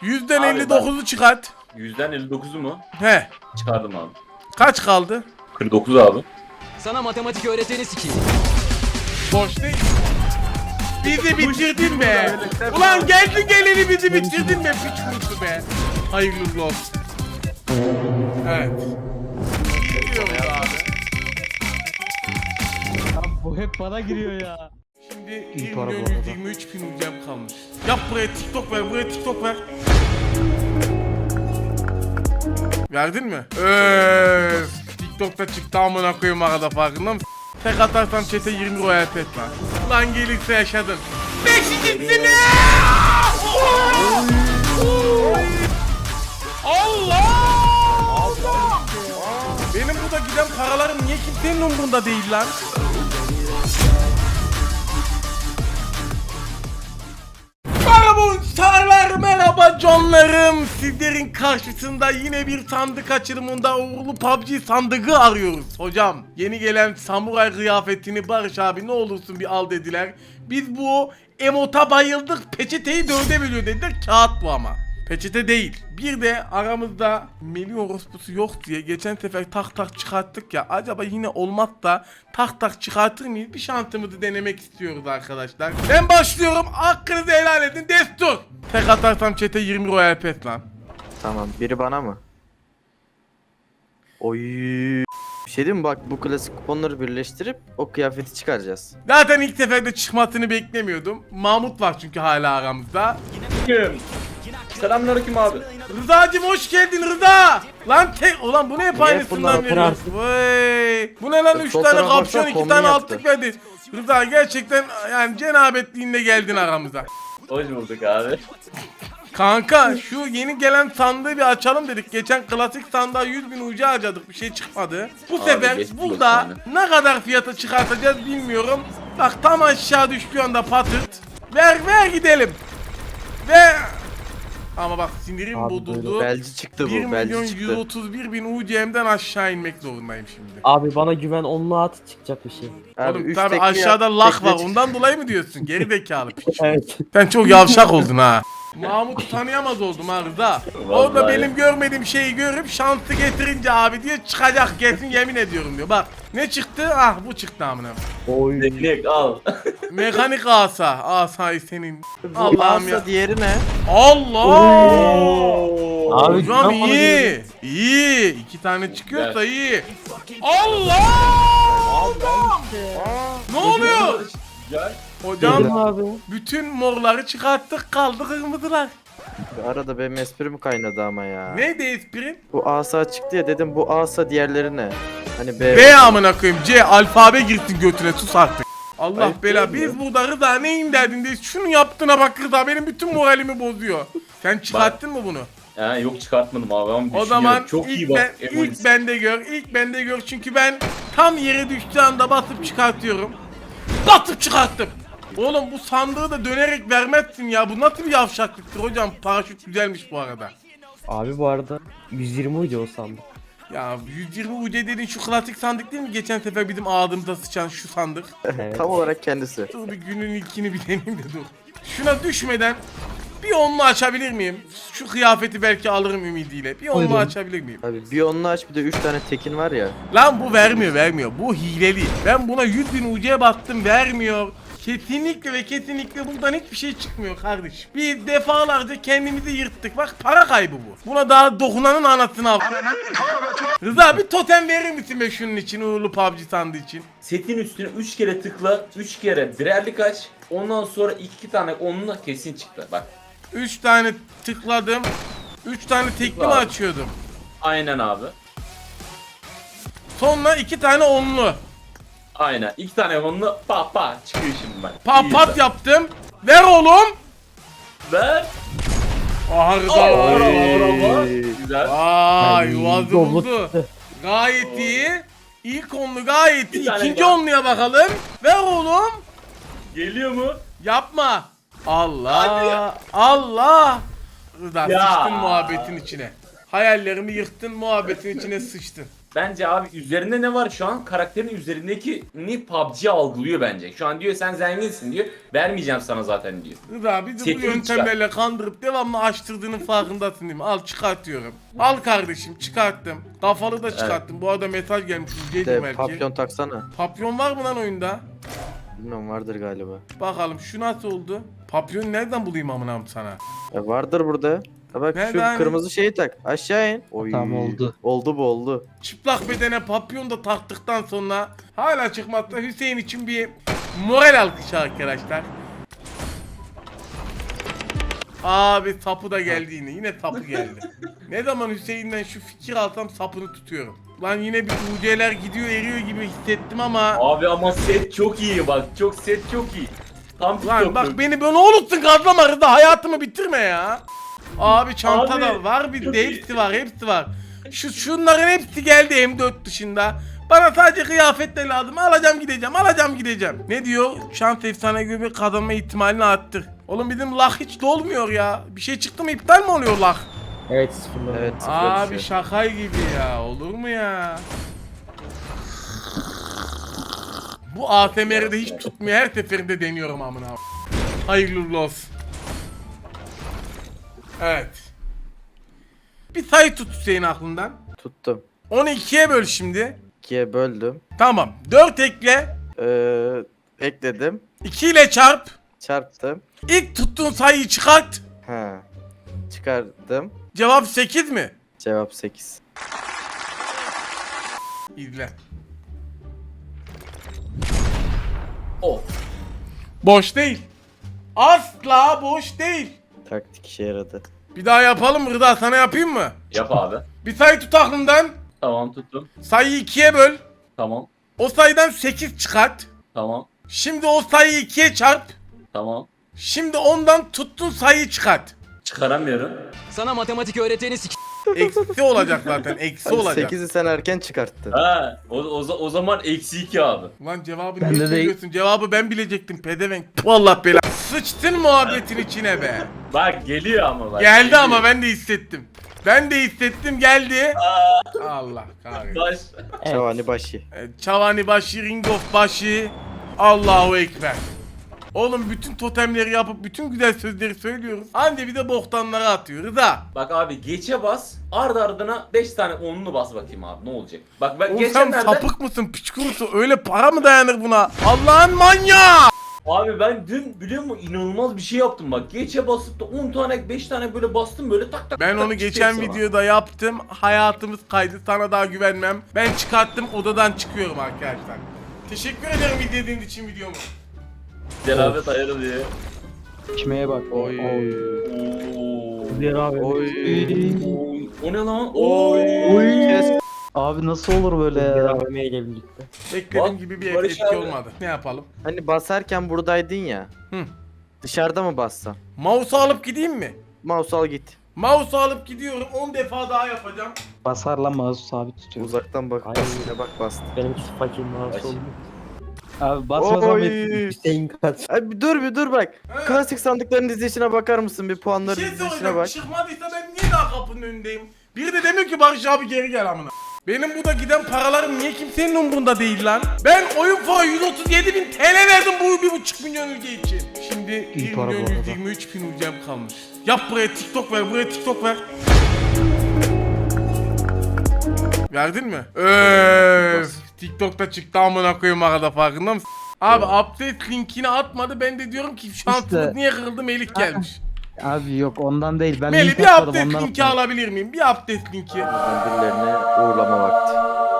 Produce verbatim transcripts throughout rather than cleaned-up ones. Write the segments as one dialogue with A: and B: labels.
A: Yüzden
B: Abi
A: elli dokuzu çıkart.
B: Yüzden elli dokuzu mu?
A: He.
B: Çıkardım abi.
A: Kaç kaldı?
B: kırk dokuz abi.
C: Sana matematik öğreteni sikeyim.
A: Boş değil. Bizi bitirdin be. Ulan geldin geleli bizi bitirdin be. Piç kurusu be. Hayırlı uğurlu olsun. Evet. Gidiyoruz abi.
D: Bu hep bana giriyor ya.
A: Şimdi bir milyon yüz yirmi üç bin ucam kalmış. Yap buraya TikTok ver, buraya TikTok ver. Verdin mi? Öööö. TikTok'ta çıktı amına koyayım arada, farkında mısın? Tek atarsan chat'e yirmi royal pet var. Ulan gelirse yaşadın. Beşincisi Allah! Allah! Benim burada giden paralarım niye kimsenin umurunda değil lan? Merhaba uçarlar, merhaba canlarım. Sizlerin karşısında yine bir sandık açılımında uğurlu P U B G sandığı arıyoruz hocam. Yeni gelen samuray kıyafetini Barış abi ne olursun bir al dediler. Biz bu emota bayıldık, peçeteyi dörde bölüyor dediler, kağıt bu ama. Peçete değil. Bir de aramızda Melih orospusu yok diye geçen sefer tak tak çıkarttık ya. Acaba yine olmaz da tak tak çıkartır mıyız? Bir şansımızı denemek istiyoruz arkadaşlar. Ben başlıyorum. Hakkınızı helal edin. Destur. Tek atarsam chat'e yirmi royal pet lan.
E: Tamam, biri bana mı? Oy. Bir şey diyeyim mi? Bak, bu klasik kuponları birleştirip o kıyafeti çıkaracağız.
A: Zaten ilk seferde çıkmasını beklemiyordum. Mahmut var çünkü hala aramızda.
B: Kim? Selamünaleyküm abi.
A: Rıza'cım hoş geldin Rıza. Lan tek ulan bu ne hep
E: Niye
A: aynısından
E: bunlar
A: veriyorsun? Vay. Bu ne lan, üç
E: Sol
A: tane
E: tarafa
A: kapşon,
E: baksana,
A: iki
E: kombin
A: tane
E: yaptı.
A: altlık verdi. Rıza gerçekten yani cenabetliğinde geldin aramıza.
B: Hoş bulduk abi.
A: Kanka şu yeni gelen sandığı bir açalım dedik. Geçen klasik sandığa yüz bin ucu harcadık, bir şey çıkmadı. Bu
B: Abi,
A: sefer
B: geçmiş
A: burada
B: olsun
A: ne kadar fiyata çıkartacağız bilmiyorum. Bak tam aşağı düştüğü anda patırt. Ver ver gidelim. Ve ama bak sinirim
D: Abi
A: bozuldu.
E: Belci çıktı
A: bir
E: bu,
A: milyon
E: belci
A: yüz
E: çıktı.
A: otuz bir bin U C M'den aşağı inmek zorundayım şimdi.
D: Abi bana güven, onunla at, çıkacak bir şey.
E: Abi,
A: Oğlum
E: üç
A: tabi
E: tekli
A: aşağıda
E: yap-
A: lak
E: tekli
A: var,
E: çık-
A: ondan dolayı mı diyorsun? Geri zekalı piç.
D: Evet.
A: Sen çok yavşak oldun ha. Mahmut'u tanıyamaz oldum ha Rıza. Orada
B: Vallahi.
A: benim görmediğim şeyi görüp şanslı getirince abi diyor çıkacak kesin, yemin ediyorum diyor. Bak ne çıktı? Ah bu çıktı amına.
D: Oy.
B: Teknik al.
A: Mekanik asa. Asayı senin.
E: Bu
A: Allah'ım ya.
E: alsa diğeri ne?
A: Allah!
D: Abi,
A: Hocam
D: güven bana
A: iyi. İyi. İki tane çıkıyorsa iyi. Allah! Ne oluyor?
B: Gel.
A: Hocam
D: Dedim abi.
A: bütün morları çıkarttık, kaldı kırmızılar.
E: Arada benim esprim kaynadı ama ya.
A: Neydi esprin?
E: Bu asa çıktı ya, dedim bu asa diğerleri ne? Hani B.
A: B amına koyayım. C alfabe girsin götüne, sus artık. Allah
B: Ayıp
A: bela,
B: değil mi?
A: biz burada Rıza neyin derdindeyiz? Şunu yaptığına bak Rıza, benim bütün moralimi bozuyor. Sen çıkarttın mı bunu?
B: Ha, yok çıkartmadım abi ama
A: O
B: düşünüyorum.
A: zaman
B: Çok iyi
A: ilk,
B: bak.
A: ben,
B: Emoji.
A: ilk bende gör, ilk bende gör çünkü ben tam yere düştüğü anda basıp çıkartıyorum. Basıp çıkarttım. Oğlum bu sandığı da dönerek vermezsin ya, bu nasıl bir yavşaklıktır hocam? Paraşüt güzelmiş bu arada.
D: Abi bu arada yüz yirmi uydu o sandık.
A: Ya yüz yirmi U C dediğin şu klasik sandık değil mi? Geçen sefer bizim ağzımıza sıçan şu sandık.
D: Evet.
E: Tam olarak kendisi.
A: Dur bir günün ilkini bir deneyim de dur. Şuna düşmeden bir onlu açabilir miyim? Şu kıyafeti belki alırım ümidiyle. Bir onlu
D: Buyurun.
A: açabilir miyim?
E: Abi bir onunla aç, bir de üç tane tekin var ya.
A: Lan bu vermiyor vermiyor. Bu hileli. Ben buna yüz bin U C'ye baktım, vermiyor. Kesinlikle ve kesinlikle buradan hiçbir şey çıkmıyor kardeş. Biz defalarca kendimizi yırttık. Bak para kaybı bu. Buna daha dokunanın anasını al. Rıza bir totem verir misin be şunun için, uğurlu P U B G sandığı için?
B: Setin üstüne üç kere tıkla, üç kere birerlik aç. Ondan sonra iki tane onunla kesin çıktı. Bak.
A: üç tane tıkladım. üç tane tekli mi
B: Tıkla abi.
A: açıyordum?
B: Aynen abi.
A: Sonra iki tane onlu.
B: Aynen. İki tane onunla pa pa çıkıyor şimdi bak.
A: Pat
B: İyi
A: pat
B: bak.
A: yaptım. Ver oğlum.
B: Ver.
A: Aha
B: Aa,
A: Rıza.
B: bravo, bravo. Güzel.
A: Vay
D: Ay,
A: yuvazı
D: yollu
A: buldu.
D: çıktı.
A: Gayet iyi. İlk onlu gayet iyi.
B: Bir tane
A: İkinci
B: daha.
A: onluya bakalım. Ver oğlum.
B: Geliyor mu?
A: Yapma. Allah.
B: Hadi ya.
A: Allah. Rıza
B: Ya.
A: sıçtın muhabbetin içine. Hayallerimi yıktın, muhabbetin içine sıçtın.
B: Bence abi üzerinde ne var şu an? Karakterin üzerindeki ni P U B G algılıyor bence. Şu an diyor sen zenginsin diyor. Vermeyeceğim sana zaten diyor.
A: Rıza bir de bu
B: Setini
A: yöntemlerle kandırıp devamlı açtırdığının farkındasın değil mi? Al çıkartıyorum. Al kardeşim çıkarttım. Kafalı da çıkarttım. Bu arada mesaj gelmiş. Gece
E: De
A: belki.
E: papyon taksana.
A: Papyon var mı lan oyunda?
E: Bilmiyorum, vardır galiba.
A: Bakalım şu nasıl oldu? Papyon nereden bulayım amınam sana?
E: E, vardır burada. Ha bak
A: Nerede
E: şu
A: hani?
E: kırmızı şeyi tak. Aşağı in. Oy.
D: Tamam, oldu.
E: Oldu bu oldu.
A: Çıplak bedene papyon da taktıktan sonra hala çıkmazsa Hüseyin için bir moral alkışı arkadaşlar. Abi sapı da geldi yine. Yine sapı geldi. Ne zaman Hüseyin'den şu fikir alsam sapını tutuyorum. Lan yine bir U C'ler gidiyor eriyor gibi hissettim ama.
B: Abi ama set çok iyi bak. Çok set çok iyi. Tam
A: Lan
B: TikTok'ta.
A: bak beni böyle olursun gazlama Rıza, hayatımı bitirme ya. Abi çanta da
B: Abi,
A: var bir
B: çok
A: de
B: iyi.
A: hepsi var hepsi var. Şu şunların hepsi geldi M dört dışında. Bana sadece kıyafet de lazım. Alacağım gideceğim alacağım gideceğim. Ne diyor? Şans efsane gibi kazanma ihtimalini arttır. Oğlum bizim lak hiç dolmuyor ya. Bir şey çıktı mı iptal mi oluyor lak?
D: Evet sıfırlar.
E: Evet sıfır
A: Abi
E: düşüyor.
A: şaka gibi ya. Olur mu ya? Bu A S M R'de hiç tutmuyor. Her seferinde deniyorum amına. Hayırlı uğurlu olsun. Evet. Bir sayı tut Hüseyin aklından.
E: Tuttum.
A: Onu ikiye böl şimdi.
E: ikiye böldüm.
A: Tamam. dört ekle.
E: Ee, ekledim.
A: iki ile çarp.
E: Çarptım.
A: İlk tuttuğun sayıyı çıkart.
E: Ha. Çıkardım.
A: Cevap sekiz mi?
E: Cevap sekiz.
A: İzle.
B: O.
A: Boş değil. Asla boş değil.
E: Taktik işe yaradı.
A: Bir daha yapalım mı Rıza? Sana yapayım mı?
B: Yap abi.
A: Bir sayı tut aklından.
B: Tamam tuttum.
A: Sayıyı ikiye böl.
B: Tamam.
A: O sayıdan sekiz çıkart.
B: Tamam.
A: Şimdi o sayıyı ikiye çarp.
B: Tamam.
A: Şimdi ondan tuttuğun sayıyı çıkart.
B: Çıkaramıyorum.
C: Sana matematik öğreteni sik...
A: Eksi olacak zaten. Eksi
E: Hani
A: olacak.
E: sekizi sen erken çıkarttın.
B: Ha, o, o, za- o zaman eksi iki abi.
A: Lan cevabı
D: Ben
A: niye
D: de
A: söylüyorsun? Cevabı ben bilecektim pedevenk. Puh, Allah bela. Sıçtın muhabbetin içine be.
B: Bak geliyor ama bak.
A: Geldi
B: geliyor.
A: ama ben de hissettim. Ben de hissettim geldi. Allah kahretsin.
B: Baş.
E: Çavani başı.
A: Evet, Çavani başı, Ring of başı. Allahu Ekber. Oğlum bütün totemleri yapıp bütün güzel sözleri söylüyoruz. Anca bir de boktanları atıyor. Rıza.
B: Bak abi geçe bas. Ardı ardına beş tane onlu bas bakayım abi ne olacak? Bak ben
A: Oğlum sen
B: geçenlerde
A: sapık mısın piç kurusu? Öyle para mı dayanır buna? Allah'ın manyağı.
B: abi ben dün biliyor musun inanılmaz bir şey yaptım bak. Geçe basıp da on tane beş tane böyle bastım böyle tak tak.
A: Ben
B: tak
A: onu
B: çıktı
A: geçen
B: hepsi bana.
A: videoda yaptım. Hayatımız kaydı. Sana daha güvenmem. Ben çıkarttım. Odadan çıkıyorum arkadaşlar. Teşekkür ederim izlediğiniz için videomu.
B: Cenabet ayarı diye.
D: İçmeye bak.
E: Oy.
B: Oo.
D: Diğer abi.
E: Oy.
B: Oy. O ne lan?
E: Oy.
B: Oy.
E: Kes.
F: Abi nasıl olur böyle
D: Diğer
F: ya?
D: A V M ile birlikte.
A: Beklediğim
B: Bak,
A: gibi bir
B: Barış
A: etki
B: abi.
A: olmadı. Ne yapalım?
E: Hani basarken buradaydın ya.
A: Hı.
E: Dışarıda mı bassan?
A: Mouse'u alıp gideyim mi?
E: Mouse al git.
A: Mouse'u alıp gidiyorum. on defa daha yapacağım.
F: Basarla mouse sabit tutuyor.
E: Uzaktan bak.
D: Aynen.
E: Basıyla bak bastı.
D: Benimkisi fakir mouse
B: Başı.
D: oldu.
F: Abi basmasam
E: Oy.
F: et.
D: Hüseyin kaç.
E: Ay bir dur bir dur bak.
A: He.
E: Klasik sandıkların dizilişine bakar mısın? Bir
A: Bir
E: puanların
A: şey
E: dizilişine
A: soracağım.
E: bak.
A: Çıkmadıysa ben niye daha kapının önündeyim? Biri de demiyor ki Barış abi geri gel amına. Benim burada giden paralarım niye kimsenin umurunda değil lan? Ben oyun fonu yüz otuz yedi bin T L verdim bu bir buçuk milyon ülke için. Şimdi
F: İyi
A: bir
F: para bu
A: milyon
F: arada.
A: yüz yirmi üç bin ülkem kalmış. Yap buraya TikTok ver, buraya TikTok ver. Verdin mi? Öf, TikTok'ta çıktı amına koyayım arada farkında mısın? Abi update linkini atmadı ben de diyorum ki şansımız
F: İşte.
A: niye kırıldı Melih gelmiş.
F: Abi yok ondan değil. Ben
A: Melih
F: link
A: bir
F: atmadım,
A: update
F: ondan
A: linki
F: atmadım.
A: alabilir miyim? Bir update linki.
E: Birilerine uğurlama vakti.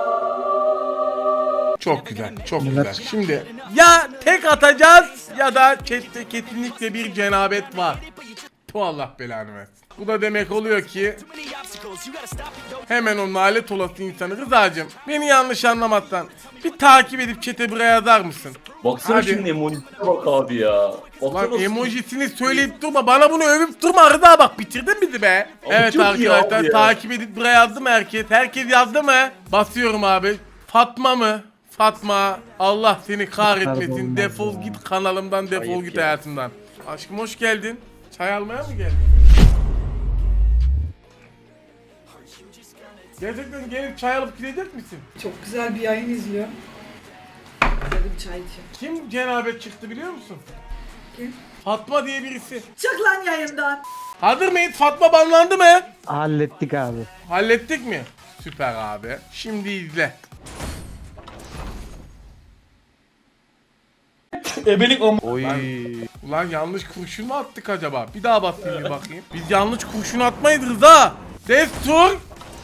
A: Çok güzel, çok güzel. Şimdi ya tek atacağız ya da chatte kesinlikle bir cenabet var. Tu Allah belanı versin. Bu da demek oluyor ki hemen o nalet olası insanı Rıza'cığım beni yanlış anlamazsan bir takip edip chat'e buraya yazar mısın?
B: Baksana
A: Hadi.
B: şimdi emojisine bak abi ya. Baksana
A: Lan
B: nasıl-
A: emojisini söyleyip durma bana bunu övüp durma Rıza bak bitirdin bizi be.
B: Abi
A: Evet
B: çok iyi
A: arkadaşlar
B: abi ya.
A: takip edip buraya yazdı mı herkes? Herkes yazdı mı? Basıyorum abi. Fatma mı? Fatma Allah seni kahretmesin.
F: Pardon,
A: Defol
F: ya.
A: git kanalımdan defol
E: Ayıp
A: git
E: ya.
A: hayatımdan. Aşkım hoş geldin. Çay almaya mı geldin? Gerçekten gelip çay alıp gidecek misin?
G: Çok güzel bir yayın izliyor. Dedim çay içeyim.
A: Kim cenabet çıktı biliyor musun?
G: Kim?
A: Fatma diye birisi.
G: Çık lan yayından.
A: Hazır mıyız? Fatma banlandı mı?
F: Hallettik abi.
A: Hallettik mi? Süper abi. Şimdi izle.
E: Oy.
A: Ulan yanlış kurşun mu attık acaba? Bir daha basayım bir bakayım. Biz yanlış kurşun atmayız Rıza. Destur.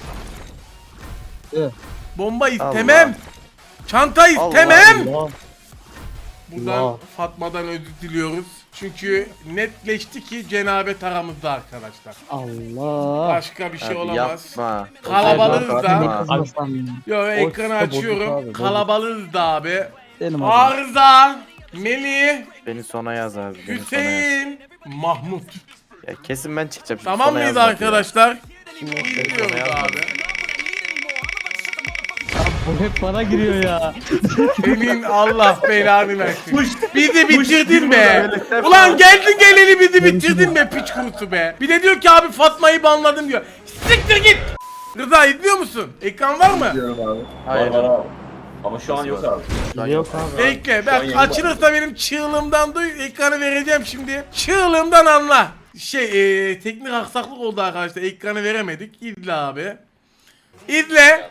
F: Evet.
A: Bomba istemem. Çanta istemem.
F: Allah.
A: Buradan
F: Allah.
A: Fatma'dan özür diliyoruz. Çünkü netleşti ki cenabet aramızda arkadaşlar.
F: Allah.
A: Başka bir şey
E: Abi
A: olamaz.
E: yapma.
A: Kalabalığız
E: Yapma.
A: da.
F: Kızmasam ya.
A: Yo ekranı
F: Ortada bozuk
A: açıyorum.
F: abi, bozuk.
A: Kalabalığız da abi.
F: Benim adım.
A: Arıza, Melih,
E: Beni sona yaz abi. Beni sona yaz.
A: Hüseyin, Mahmut.
E: Ya kesin ben çıkacağım. şimdi,
A: Tamam
E: sona
A: mıyız
E: yazma diyor.
A: arkadaşlar?
E: Beni
A: Gidiyoruz
E: sona yazma.
A: abi.
F: Bu hep bana giriyor ya.
A: Senin Allah belanı versin. Bizi bitirdin
B: Push
A: be.
E: burada.
A: Ulan geldin geleli bizi bitirdin be piç kurusu be. Bir de diyor ki abi Fatma'yı banladım diyor. Siktir git. Rıza izliyor musun? Ekran var mı?
E: Hayır.
B: Var, var abi. Ama şu an yok abi.
E: Şu an
F: Yok abi.
A: Bekle
B: Şu
A: ben
B: an yeni
A: açılırsa benim çığlığımdan duy ekranı vereceğim şimdi. Çığlığımdan anla. Şey e, teknik aksaklık oldu arkadaşlar ekranı veremedik. İzle abi. İzle.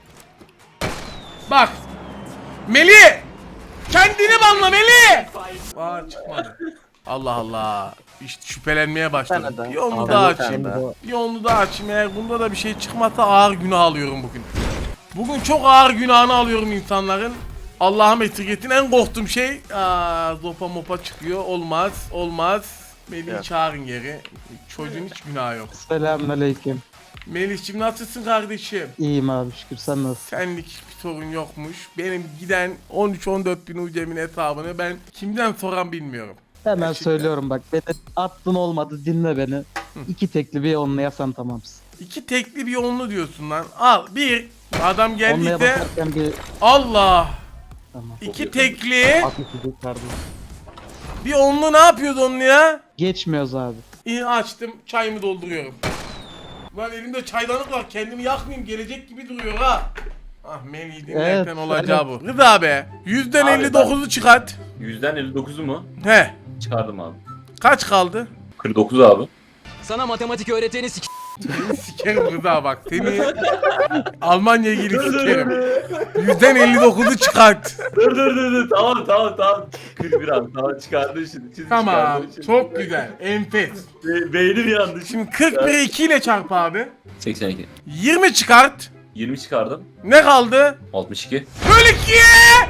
A: Bak. Melih. Kendini banla Melih. Aa çıkmadı. Allah Allah. İşte şüphelenmeye başladım.
E: Bir tane daha.
A: Bir onu
E: Abi,
A: daha
E: bir tane
A: açayım.
E: daha.
A: Bir onu daha açayım. Eğer bunda da bir şey çıkmazsa ağır günah alıyorum bugün. Bugün çok ağır günahını alıyorum insanların. Allah'ım esirgetin en korktuğum şey aa, zopa mopa çıkıyor. Olmaz. Olmaz. Melih'i
E: Evet.
A: çağırın geri. Çocuğun hiç günahı yok.
F: Selamünaleyküm.
A: Melih'cim nasılsın kardeşim?
F: İyiyim abi şükür, sen nasılsın?
A: Senlik hiçbir sorun yokmuş. Benim giden on üç on dört bin ucemin hesabını ben kimden soran bilmiyorum.
F: Hemen
A: Gerçekten.
F: söylüyorum bak, beni attın olmadı, dinle beni. İki tekli bir onlayasan tamamsın.
A: İki tekli bir onlu diyorsun lan. Al bir. Adam
F: Onlaya
A: geldiyse
F: bakarken bir
A: Allah.
F: tamam.
A: İki tekli.
F: At iki kardeşim.
A: Bir onlu ne yapıyordu onlu ya?
F: Geçmiyoruz abi.
A: İyi açtım. Çayımı dolduruyorum. Lan elimde çaydanlık var. Kendimi yakmayayım. Gelecek gibi duruyor ha. Ah Melih dinlerken
F: Evet,
A: olacağı bu. Rıza be. Yüzden
B: Abi
A: elli dokuzu çıkart.
B: Yüzden elli dokuzu mu?
A: He.
B: Çıkardım abi.
A: Kaç kaldı?
B: kırk dokuz abi.
C: Sana matematik öğreteni sik...
A: Seni sikerim Rıza bak. Seni Almanya'ya gelip sikerim. Yüzden elli dokuzu çıkart.
B: dur dur dur dur. Tamam tamam tamam. kırk bir abi. Tamam çıkardım şimdi. şimdi
A: Tamam.
B: çıkardım şimdi.
A: Çok güzel. Enfes.
B: Be beynim yandı. Şimdi
A: Şimdi kırk biri iki ile çarp abi.
B: seksen iki.
A: yirmi çıkart.
B: yirmi çıkardım.
A: Ne kaldı?
B: altmış iki.
A: Böl ikiye.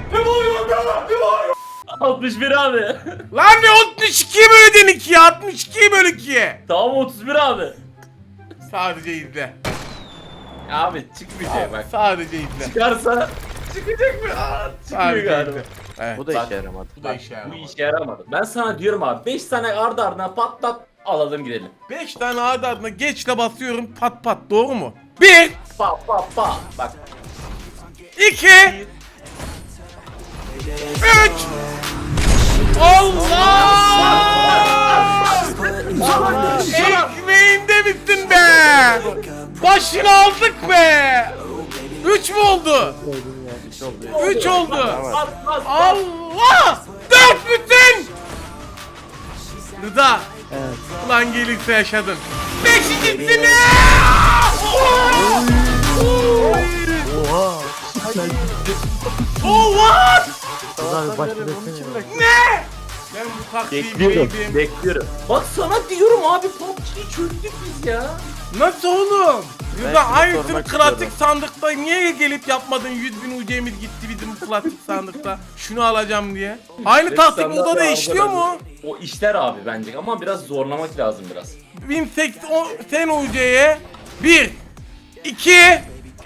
B: altmış bir abi.
A: Lan ne altmış ikiye böldün ikiye. altmış ikiye böl ikiye.
B: Tamam otuz bir abi.
A: Sadece izle.
B: Abi çıkmayacak bak.
A: Sadece izle.
B: Çıkarsa çıkacak mı? Aa, çıkmıyor
A: Sadece
B: galiba.
A: izle. Evet.
E: Bu da
B: Bak.
E: işe yaramadı.
A: Bu da işe
B: Bu
A: yaramadı.
B: işe yaramadı. Ben sana diyorum abi beş tane ardı ardına patlat alalım gidelim.
A: beş tane adı adına geçle basıyorum pat pat doğru mu? bir,
B: Pa pa pa. Bak.
A: iki, üç. Allah! Ekmeğinde bittin be! Başını aldık be! üç mü oldu? üç oldu.
B: Bas bas.
A: Allah! dört bütün! Rıza,
F: Evet.
A: ulan gelirse yaşadın. Beşincisini! Oh what?
D: Abi başta desene.
A: Ne? Ben bu taktiği
B: Bekliyorum.
A: bileydim.
B: Bekliyorum. Bak sana diyorum abi P U B G'yi çözdük biz ya.
A: Nasıl oğlum?
E: Ben
A: Rıza
E: şunu
A: aynısını
E: sormak
A: klasik
E: istiyorum.
A: sandıkta niye gelip yapmadın? yüz bin U C'miz gitti bizim klasik sandıkta. Şunu alacağım diye. Aynı
B: Beş
A: taktik
B: tane
A: burada da
B: daha
A: işliyor
B: aldı
A: mu?
B: bence. O işler abi bence ama biraz zorlamak lazım biraz.
A: bin seksen U C'ye bir, iki,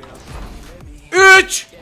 A: üç,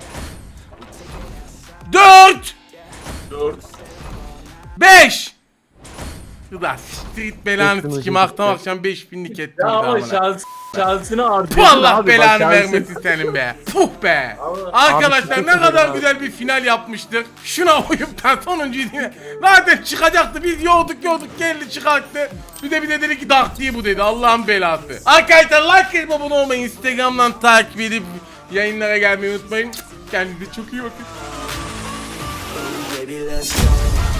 A: dört,
B: dört.
A: beş. Kıda street belanı
D: Teknoloji
A: sikim
D: bitti.
A: akşam akşam beş binlik ettim.
B: Ya ama
A: amına.
B: şans, şansını artırdın
A: Puh, Allah
B: abi.
A: belanı
B: bak, şansın-
A: vermesin senin be. Puh be.
B: Abi-
A: Arkadaşlar
D: Abi,
A: ne kadar
D: abi.
A: güzel bir final yapmıştık. Şuna uyup da sonuncuyu değil mi? Zaten çıkacaktı. Biz yorduk yorduk geldi çıkarttı. Bir de bir de dedi ki dak diye bu dedi. Allah'ın belası. Arkadaşlar like edip abone olmayı, Instagram'dan takip edip yayınlara gelmeyi unutmayın. Kendinize çok iyi bakın.
H: Baby, let's go.